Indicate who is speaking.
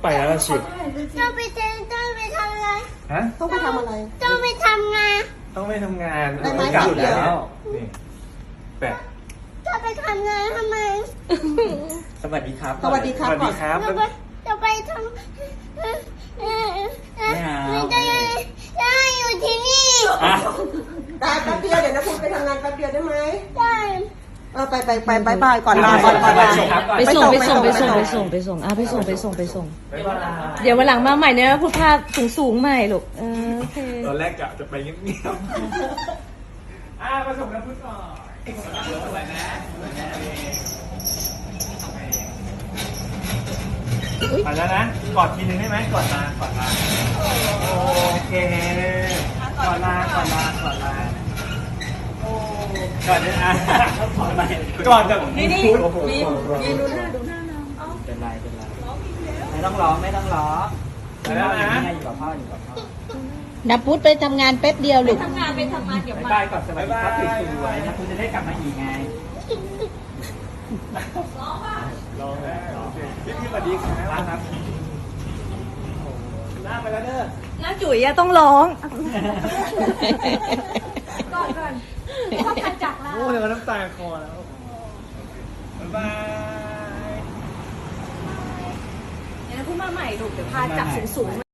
Speaker 1: ไปแล้วล่ะสิ
Speaker 2: ต้องไปทำอะไร
Speaker 1: ฮะ
Speaker 3: ต้องไปทำอะไร
Speaker 2: ต้องไปทำงาน
Speaker 1: ต้องไม่ทำงาน
Speaker 3: ได้ไหม
Speaker 1: กลับ
Speaker 3: เดี๋ยว
Speaker 1: แล้วนี่แปะ
Speaker 2: จะไปทำงานทำไม
Speaker 1: สวัสดีครับ
Speaker 3: สวัสดีครับ
Speaker 1: สวัสดีครับ
Speaker 2: จะไปทำไม่ได้อยู่ที่นี่
Speaker 1: อ่ะ
Speaker 3: ได้แป๊บเดียวเดี๋ยวนะคุณไปทำงานแป๊บเดียวได้ไหม
Speaker 2: ได้
Speaker 3: ไปก่อนลาก่อนลา
Speaker 4: ไปส่งไปส่งไปส่งไปส่งไปส่งอ่ะไปส่งไปส่งไปส่ง
Speaker 1: บ๊ายบาย
Speaker 4: เดี๋ยววันหลังมาใหม่เนี่ยพูดภาพสูงๆใหม่ลูกโอเค
Speaker 1: ตอนแรกกะจะไปเงียบๆมาส่งน้ำพึ่งก่อนไปแล้วนะ กอดทีนึงได้ไหมกอดลากอดลาโอเคกอดลากอดลากอดลาก่อนเนี่ยก่อนกับนี่โอ้โห
Speaker 4: ดูหน้าน้อง
Speaker 5: เป็นไรไม่ต้องร้องไม่ต้องร้อง
Speaker 1: ไปแล้วนะ
Speaker 5: อยู่กับพ่ออยู่กับพ่อ
Speaker 4: นับพุทธไปทำงานแป๊บเดียวลูก
Speaker 5: บ๊ายบายก่อนสวัสดีครับสวยๆนะคุณจะได้กลับมาอีกไง
Speaker 1: รอแล้วพี่สวัสดีครับหน้าไปแล้วเด้อ
Speaker 4: น้าจุ๋ยอะต้องร้อง
Speaker 1: โอ้เดี๋ยวน้ำตาคอแล้วบ๊ายบาย
Speaker 4: เดี๋ยวพูดมาใหม่ลูกเดี๋ยวพาจับสูงๆ